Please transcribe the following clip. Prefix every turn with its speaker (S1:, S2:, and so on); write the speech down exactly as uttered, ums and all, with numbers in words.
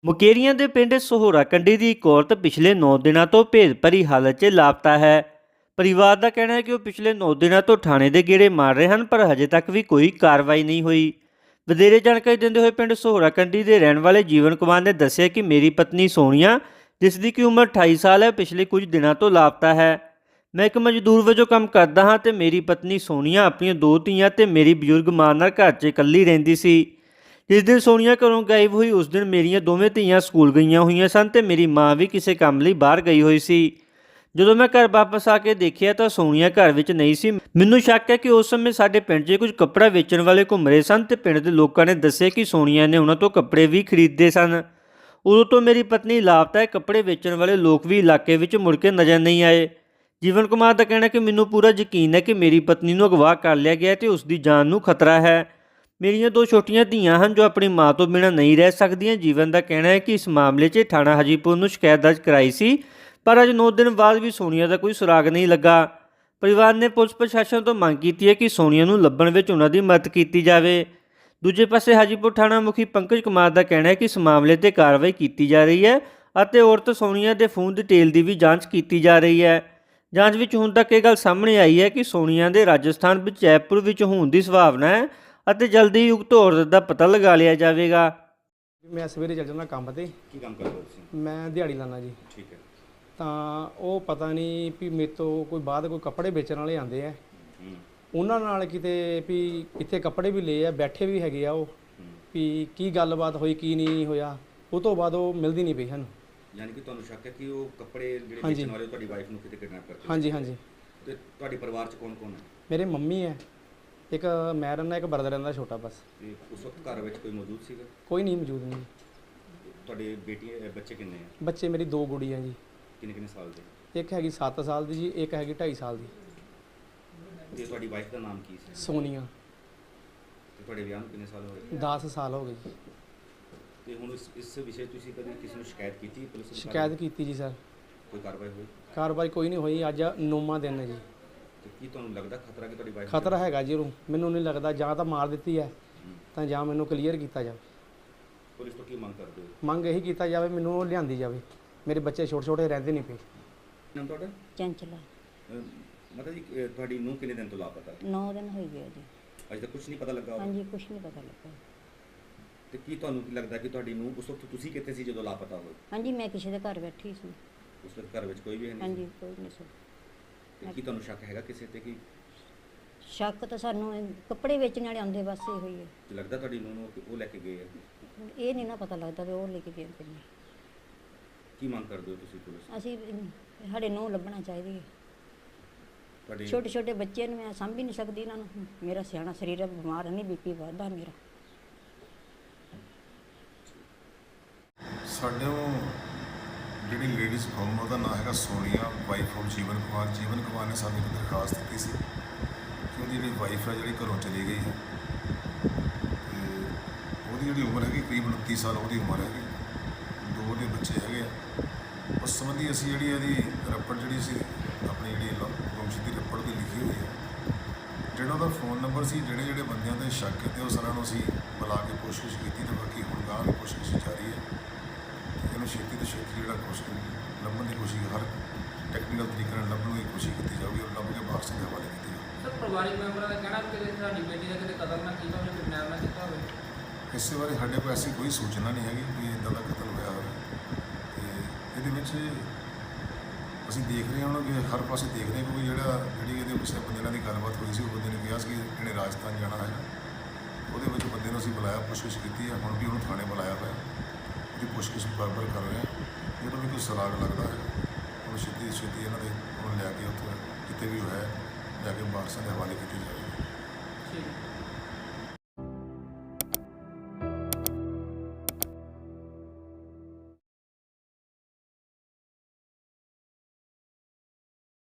S1: ਮੁਕੇਰੀਆਂ ਦੇ ਪਿੰਡ ਸਹੋਰਾ ਕੰਡੀ ਦੀ ਇੱਕ ਔਰਤ ਪਿਛਲੇ ਨੌ ਦਿਨਾਂ ਤੋਂ ਭੇਦ ਭਰੀ ਹਾਲਤ 'ਚ ਲਾਪਤਾ ਹੈ। ਪਰਿਵਾਰ ਦਾ ਕਹਿਣਾ ਹੈ ਕਿ ਉਹ ਪਿਛਲੇ ਨੌ ਦਿਨਾਂ ਤੋਂ ਥਾਣੇ ਦੇ ਗੇੜੇ ਮਾਰ ਰਹੇ ਹਨ, ਪਰ ਹਜੇ ਤੱਕ ਵੀ ਕੋਈ ਕਾਰਵਾਈ ਨਹੀਂ ਹੋਈ। ਵਧੇਰੇ ਜਾਣਕਾਰੀ ਦਿੰਦੇ ਹੋਏ ਪਿੰਡ ਸਹੋਰਾ ਕੰਡੀ ਦੇ ਰਹਿਣ ਵਾਲੇ ਜੀਵਨ ਕੁਮਾਰ ਨੇ ਦੱਸਿਆ ਕਿ ਮੇਰੀ ਪਤਨੀ ਸੋਨੀਆ, ਜਿਸ ਦੀ ਕਿ ਉਮਰ ਅਠਾਈ ਸਾਲ ਹੈ, ਪਿਛਲੇ ਕੁਝ ਦਿਨਾਂ ਤੋਂ ਲਾਪਤਾ ਹੈ। ਮੈਂ ਇੱਕ ਮਜ਼ਦੂਰ ਵਜੋਂ ਕੰਮ ਕਰਦਾ ਹਾਂ ਤੇ ਮੇਰੀ ਪਤਨੀ ਸੋਨੀਆ ਆਪਣੀਆਂ ਦੋ ਧੀਆਂ ਤੇ ਮੇਰੀ ਬਜ਼ੁਰਗ ਮਾਂ ਨਾਲ ਘਰ 'ਚ ਇਕੱਲੀ ਰਹਿੰਦੀ ਸੀ। ਜਿਸ ਦਿਨ ਸੋਨੀਆ ਘਰੋਂ ਗਾਇਬ ਹੋਈ, ਉਸ ਦਿਨ ਮੇਰੀਆਂ ਦੋਵੇਂ ਧੀਆਂ ਸਕੂਲ ਗਈਆਂ ਹੋਈਆਂ ਸਨ ਤੇ ਮੇਰੀ ਮਾਂ ਵੀ ਕਿਸੇ ਕੰਮ ਲਈ ਬਾਹਰ ਗਈ ਹੋਈ ਸੀ। ਜਦੋਂ ਮੈਂ ਘਰ ਵਾਪਸ ਆ ਕੇ ਦੇਖਿਆ ਤਾਂ ਸੋਨੀਆ ਘਰ ਵਿੱਚ ਨਹੀਂ ਸੀ। ਮੈਨੂੰ ਸ਼ੱਕ ਹੈ ਕਿ ਉਸ ਸਮੇਂ ਸਾਡੇ ਪਿੰਡ 'ਚ ਕੁਝ ਕੱਪੜਾ ਵੇਚਣ ਵਾਲੇ ਘੁੰਮ ਰਹੇ ਸਨ ਤੇ ਪਿੰਡ ਦੇ ਲੋਕਾਂ ਨੇ ਦੱਸਿਆ ਕਿ ਸੋਨੀਆ ਨੇ ਉਹਨਾਂ ਤੋਂ ਕੱਪੜੇ ਵੀ ਖਰੀਦੇ ਸਨ। ਉਦੋਂ ਤੋਂ ਮੇਰੀ ਪਤਨੀ ਲਾਪਤਾ ਹੈ। ਕੱਪੜੇ ਵੇਚਣ ਵਾਲੇ ਲੋਕ ਵੀ ਇਲਾਕੇ ਵਿੱਚ ਮੁੜ ਕੇ ਨਜ਼ਰ ਨਹੀਂ ਆਏ। ਜੀਵਨ ਕੁਮਾਰ ਦਾ ਕਹਿਣਾ ਹੈ ਕਿ ਮੈਨੂੰ ਪੂਰਾ ਯਕੀਨ ਹੈ ਕਿ ਮੇਰੀ ਪਤਨੀ ਨੂੰ ਅਗਵਾ ਕਰ ਲਿਆ ਗਿਆ ਤੇ ਉਸ ਦੀ ਜਾਨ ਨੂੰ ਖਤਰਾ ਹੈ। ਮੇਰੀਆਂ ਦੋ ਛੋਟੀਆਂ ਧੀਆਂ ਹਨ ਜੋ ਆਪਣੀ ਮਾਂ ਤੋਂ ਬਿਨਾਂ ਨਹੀਂ ਰਹਿ ਸਕਦੀਆਂ। ਜੀਵਨ ਦਾ ਕਹਿਣਾ ਹੈ ਕਿ ਇਸ ਮਾਮਲੇ 'ਚ ਥਾਣਾ ਹਾਜੀਪੁਰ ਨੂੰ ਸ਼ਿਕਾਇਤ ਦਰਜ ਕਰਾਈ ਸੀ, ਪਰ ਅੱਜ ਨੌ ਦਿਨ ਬਾਅਦ ਵੀ ਸੋਨੀਆ ਦਾ ਕੋਈ ਸੁਰਾਗ ਨਹੀਂ ਲੱਗਾ। ਪਰਿਵਾਰ ਨੇ ਪੁਲਿਸ ਪ੍ਰਸ਼ਾਸਨ ਤੋਂ ਮੰਗ ਕੀਤੀ ਹੈ ਕਿ ਸੋਨੀਆ ਨੂੰ ਲੱਭਣ ਵਿੱਚ ਉਹਨਾਂ ਦੀ ਮਦਦ ਕੀਤੀ ਜਾਵੇ। ਦੂਜੇ ਪਾਸੇ ਹਾਜੀਪੁਰ ਥਾਣਾ ਮੁਖੀ ਪੰਕਜ ਕੁਮਾਰ ਦਾ ਕਹਿਣਾ ਹੈ ਕਿ ਇਸ ਮਾਮਲੇ 'ਤੇ ਕਾਰਵਾਈ ਕੀਤੀ ਜਾ ਰਹੀ ਹੈ ਅਤੇ ਔਰਤ ਸੋਨੀਆ ਦੇ ਫੋਨ ਡਿਟੇਲ ਦੀ ਵੀ ਜਾਂਚ ਕੀਤੀ ਜਾ ਰਹੀ ਹੈ। ਜਾਂਚ ਵਿੱਚ ਹੁਣ ਤੱਕ ਇਹ ਗੱਲ ਸਾਹਮਣੇ ਆਈ ਹੈ ਕਿ ਸੋਨੀਆ ਦੇ ਰਾਜਸਥਾਨ ਵਿੱਚ ਜੈਪੁਰ ਵਿੱਚ ਹੋਣ ਦੀ ਸੰਭਾਵਨਾ ਹੈ ਅਤੇ ਜਲਦੀ ਹੀ ਉਕਤ ਔਰਤ ਦਾ ਪਤਾ ਲਗਾ ਲਿਆ ਜਾਵੇਗਾ।
S2: ਮੈਂ ਸਵੇਰੇ ਚੱਲ ਜਾਂਦਾ ਕੰਮ ਤੇ।
S3: ਕੀ ਕੰਮ ਕਰਦੇ ਹੋ ਤੁਸੀਂ?
S2: ਮੈਂ ਦਿਹਾੜੀ ਲਾਉਂਦਾ ਜੀ।
S3: ਠੀਕ ਹੈ।
S2: ਤਾਂ ਉਹ ਪਤਾ ਨਹੀਂ ਵੀ ਮੇਰੇ ਤੋਂ ਕੋਈ ਬਾਅਦ ਕੋਈ ਕੱਪੜੇ ਵੇਚਣ ਵਾਲੇ ਆਉਂਦੇ ਆ, ਉਹਨਾਂ ਨਾਲ ਕਿਤੇ ਵੀ ਇੱਥੇ ਕੱਪੜੇ ਵੀ ਲਏ ਆ, ਬੈਠੇ ਵੀ ਹੈਗੇ ਆ ਉਹ, ਵੀ ਕੀ ਗੱਲਬਾਤ ਹੋਈ ਕੀ ਨਹੀਂ ਹੋਇਆ। ਉਹ ਤੋਂ ਬਾਅਦ ਉਹ ਮਿਲਦੀ ਨਹੀਂ ਪਈ ਸਾਨੂੰ।
S3: ਯਾਨੀ ਕਿ ਤੁਹਾਨੂੰ ਸ਼ੱਕ ਹੈ ਕਿ ਉਹ ਕੱਪੜੇ ਜਿਹੜੇ ਵੇਚਣ ਵਾਲੇ ਤੁਹਾਡੀ ਵਾਈਫ ਨੂੰ ਕਿਤੇ ਕਿਡਨੈਪ ਕਰਦੇ?
S2: ਹਾਂਜੀ ਹਾਂਜੀ।
S3: ਤੇ ਤੁਹਾਡੇ ਪਰਿਵਾਰ 'ਚ ਕੌਣ ਕੌਣ ਹੈ?
S2: ਮੇਰੇ ਮੰਮੀ ਹੈ, ਇੱਕ ਮੈਂ ਰਹਿੰਦਾ, ਇੱਕ ਬਰਦਰ ਰਹਿੰਦਾ ਛੋਟਾ ਬਸ।
S3: ਤੇ ਉਸ ਵਕਤ ਘਰ ਵਿੱਚ ਕੋਈ ਮੌਜੂਦ ਸੀਗਾ?
S2: ਕੋਈ ਨਹੀਂ ਮੌਜੂਦ ਨਹੀਂ।
S3: ਤੁਹਾਡੇ ਬੇਟੀਆਂ ਬੱਚੇ ਕਿੰਨੇ ਆ?
S2: ਬੱਚੇ ਮੇਰੀ ਦੋ ਗੁੜੀਆਂ ਜੀ।
S3: ਕਿੰਨੇ ਕਿੰਨੇ ਸਾਲ ਦੇ?
S2: ਇੱਕ ਹੈਗੀ ਸੱਤ ਸਾਲ ਦੀ ਜੀ, ਇੱਕ ਹੈਗੀ ਢਾਈ ਸਾਲ ਦੀ।
S3: ਤੇ ਤੁਹਾਡੀ ਵਾਈਫ ਦਾ ਨਾਮ ਕੀ ਸੀ?
S2: ਸੋਨੀਆ।
S3: ਤੇ ਤੁਹਾਡੇ ਵਿਆਹ ਨੂੰ ਕਿੰਨੇ ਸਾਲ ਹੋਏ?
S2: ਦਸ ਸਾਲ ਹੋ ਗਏ ਜੀ।
S3: ਤੇ ਹੁਣ ਇਸ ਇਸ ਵਿਸ਼ੇ ਤੁਸੀਂ ਕਦੇ ਕਿਸੇ ਨੂੰ ਸ਼ਿਕਾਇਤ ਕੀਤੀ ਪੁਲਿਸ ਨੂੰ?
S2: ਸ਼ਿਕਾਇਤ ਕੀਤੀ ਜੀ ਸਰ।
S3: ਕੋਈ ਕਾਰਵਾਈ ਹੋਈ?
S2: ਕਾਰਵਾਈ ਕੋਈ ਨਹੀਂ ਹੋਈ। ਅੱਜ ਨੌਵਾਂ ਦਿਨ ਹੈ ਜੀ।
S3: ਤੇ ਕੀ ਤੁਹਾਨੂੰ ਲੱਗਦਾ ਖਤਰਾ ਕਿ ਤੁਹਾਡੀ ਵਾਈਫ?
S2: ਖਤਰਾ ਹੈਗਾ ਜੀ ਉਹਨੂੰ। ਮੈਨੂੰ ਨਹੀਂ ਲੱਗਦਾ, ਜਾਂ ਤਾਂ ਮਾਰ ਦਿੱਤੀ ਹੈ ਤਾਂ ਜਾਂ ਮੈਨੂੰ ਕਲੀਅਰ ਕੀਤਾ ਜਾਵੇ।
S3: ਪੁਲਿਸ ਤੋਂ ਕੀ ਮੰਗ ਕਰਦੇ ਹੋ?
S2: ਮੰਗ ਇਹੀ ਕੀਤਾ ਜਾਵੇ, ਮੈਨੂੰ ਉਹ ਲਿਆਂਦੀ ਜਾਵੇ। ਮੇਰੇ ਬੱਚੇ ਛੋਟੇ ਛੋਟੇ ਰਹਿੰਦੇ ਨਹੀਂ ਪਏ।
S3: ਨਾਮ ਤੁਹਾਡਾ?
S4: ਚੰਚਲਾ।
S3: ਮਤਲਬ ਜੀ ਅਹ ਤੁਹਾਡੀ ਨੂੰ ਕਿੰਨੇ ਦਿਨ ਤੋਂ ਲਾਪਤਾ?
S4: ਨੌ ਦਿਨ ਹੋ ਗਏ ਜੀ।
S3: ਅਜੇ ਤੱਕ ਕੁਝ ਨਹੀਂ ਪਤਾ ਲੱਗਾ?
S4: ਹਾਂਜੀ, ਕੁਛ ਨਹੀਂ ਪਤਾ ਲੱਗਾ।
S3: ਤੇ ਕੀ ਤੁਹਾਨੂੰ ਕੀ ਲੱਗਦਾ ਕਿ ਤੁਹਾਡੀ ਨੂੰ ਉਸ ਵਕਤ ਤੁਸੀਂ ਕਿੱਥੇ ਸੀ ਜਦੋਂ ਲਾਪਤਾ ਹੋਏ?
S4: ਹਾਂਜੀ, ਮੈਂ ਕਿਸੇ ਦੇ ਘਰ ਬੈਠੀ ਸੀ।
S3: ਉਸ ਵਕਤ ਘਰ ਵਿੱਚ ਕੋਈ ਵੀ ਹੈ ਨਹੀਂ?
S4: ਹਾਂਜੀ, ਕੋਈ ਨਹੀਂ ਸੀ।
S3: ਤੇ ਕੀ ਤੁਹਾਨੂੰ ਸ਼ੱਕ ਹੈਗਾ ਕਿਸੇ ਤੇ ਕਿ
S4: ਸ਼ੱਕ ਤਾਂ ਸਾਨੂੰ ਇਹ ਕੱਪੜੇ ਵੇਚਣ ਵਾਲੇ ਆਉਂਦੇ ਬਸ ਇਹੋ ਹੀ ਹੈ।
S3: ਤੇ ਲੱਗਦਾ ਤੁਹਾਡੀ ਨੂੰ ਨੂੰ ਉਹ ਲੈ ਕੇ ਗਏ ਆ?
S4: ਇਹ ਨਹੀਂ ਨਾ ਪਤਾ ਲੱਗਦਾ ਵੀ ਉਹ ਲੈ ਕੇ ਗਏ ਕਿ ਨਹੀਂ।
S3: ਕੀ ਮੰਗ ਕਰਦੇ ਹੋ ਤੁਸੀਂ ਪੁਲਿਸ ਤੋਂ?
S4: ਅਸੀਂ ਸਾਡੇ ਨੂੰ ਲੱਭਣਾ ਚਾਹੀਦੀ ਹੈ।
S3: ਤੁਹਾਡੇ
S4: ਛੋਟੇ ਛੋਟੇ ਬੱਚੇ ਨੂੰ ਮੈਂ ਸਾਂਭ ਹੀ ਨਹੀਂ ਸਕਦੀ ਇਹਨਾਂ ਨੂੰ। ਮੇਰਾ ਸਿਆਣਾ ਸਰੀਰ ਹੈ, ਬਿਮਾਰ ਨਹੀਂ, ਬੀਪੀ ਵੱਧਦਾ ਮੇਰਾ।
S5: ਸਾਡੇ ਜਿਹੜੀ ਲੇਡੀਜ਼ ਫਰਮ ਉਹਦਾ ਨਾਮ ਹੈਗਾ ਸੋਨੀਆ, ਵਾਈਫ ਆਫ ਜੀਵਨ ਕੁਮਾਰ। ਜੀਵਨ ਕੁਮਾਰ ਨੇ ਸਾਨੂੰ ਇੱਕ ਦਰਖਾਸਤ ਦਿੱਤੀ ਸੀ ਕਿ ਉਹਦੀ ਜਿਹੜੀ ਵਾਈਫ ਹੈ ਜਿਹੜੀ ਘਰੋਂ ਚਲੀ ਗਈ ਹੈ ਤੇ ਉਹਦੀ ਜਿਹੜੀ ਉਮਰ ਹੈਗੀ ਕਰੀਬ ਉਨੱਤੀ ਸਾਲ ਉਹਦੀ ਉਮਰ ਹੈਗੀ। ਦੋ ਉਹਦੇ ਬੱਚੇ ਹੈਗੇ ਆ। ਉਸ ਸੰਬੰਧੀ ਅਸੀਂ ਜਿਹੜੀ ਇਹਦੀ ਰੱਪੜ ਜਿਹੜੀ ਸੀ ਆਪਣੀ ਜਿਹੜੀ ਗੁੰਮਸ਼ੁਦਗੀ ਦੀ ਰੱਪੜ ਦੀ ਲਿਖੀ ਹੋਈ ਹੈ। ਜਿਹੜਾ ਉਹਦਾ ਫੋਨ ਨੰਬਰ ਸੀ, ਜਿਹੜੇ ਜਿਹੜੇ ਬੰਦਿਆਂ 'ਤੇ ਸ਼ੱਕ ਕੀਤੇ ਉਹ ਸਾਰਿਆਂ ਨੂੰ ਅਸੀਂ ਬੁਲਾ ਕੇ ਕੋਸ਼ਿਸ਼ ਕੀਤੀ ਤੇ ਬਾਕੀ ਹੁਣ ਗਾਂਹ ਵੀ ਕੋਸ਼ਿਸ਼ ਜਾਰੀ ਹੈ। ਇਹਨੂੰ ਛੇਤੀ ਤੋਂ ਛੇਤੀ ਜਿਹੜਾ ਕੋਸ਼ਿਸ਼ ਲੱਭਣ ਦੀ ਕੋਸ਼ਿਸ਼, ਹਰ ਟੈਕਨੀਕਲ ਤਰੀਕੇ ਨਾਲ ਲੱਭਣ ਦੀ ਕੋਸ਼ਿਸ਼ ਕੀਤੀ ਜਾਊਗੀ ਔਰ ਲੱਭ ਕੇ ਵਾਰਸਾਂ ਦੇ ਹਵਾਲੇ ਕੀਤੀ ਜਾਊਗੀ।
S6: ਸਰ, ਪਰਿਵਾਰਿਕ ਮੈਂਬਰਾਂ ਦਾ ਕਹਿਣਾ ਕਿ ਕਿਤੇ ਸਾਡੀ ਬੇਟੀ ਦਾ ਕਿਤੇ ਕਤਲ ਨਾ ਕੀਤਾ ਹੋਵੇ, ਕਿਡਨੈਪ ਨਾ ਕੀਤਾ ਹੋਵੇ।
S5: ਇਸੇ ਬਾਰੇ ਸਾਡੇ ਕੋਲ ਐਸੀ ਕੋਈ ਸੂਚਨਾ ਨਹੀਂ ਹੈਗੀ ਕਿ ਇੱਦਾਂ ਦਾ ਕਤਲ ਹੋਇਆ ਹੋਵੇ। ਤੇ ਇਹਦੇ ਵਿੱਚ ਅਸੀਂ ਦੇਖ ਰਹੇ ਹਾਂ ਕਿ ਹਰ ਪਾਸੇ ਦੇਖ ਰਹੇ ਕਿਉਂਕਿ ਜਿਹੜਾ ਜਿਹੜੀ ਇਹਦੇ ਕਿਸੇ ਬੰਦੇ ਨਾਲ ਦੀ ਗੱਲਬਾਤ ਹੋਈ ਸੀ, ਉਹ ਬੰਦੇ ਨੇ ਕਿਹਾ ਸੀ ਕਿ ਇਹਨੇ ਰਾਜਸਥਾਨ ਜਾਣਾ ਹੈ। ਉਹਦੇ ਵਿੱਚ ਬੰਦੇ ਨੂੰ ਅਸੀਂ ਬੁਲਾਇਆ, ਪੁੱਛਗਿੱਛ ਕੀਤੀ ਹੈ। ਹੁਣ ਵੀ ਉਹਨੂੰ ਥਾਣੇ ਬੁਲਾਇਆ ਹੋਇਆ, ਉਹਦੀ ਪੁੱਛਗਿੱਛ ਬਰਾਬਰ ਕਰ ਰਹੇ ਹਾਂ। ਜਦੋਂ ਵੀ ਕੋਈ ਸੁਰਾਗ ਲੱਗਦਾ ਹੈ ਉਹਨੂੰ ਛੇਤੀ ਛੇਤੀ ਇਹਨਾਂ ਦੇ ਉਹਨੂੰ ਲਿਆ ਕੇ ਉੱਥੇ ਜਿੱਥੇ ਵੀ ਹੋਇਆ ਲਿਆ ਕੇ ਵਾਰਸਾਂ ਦੇ ਹਵਾਲੇ ਕੀਤੀ ਜਾਵੇਗੀ।
S6: ਠੀਕ ਹੈ।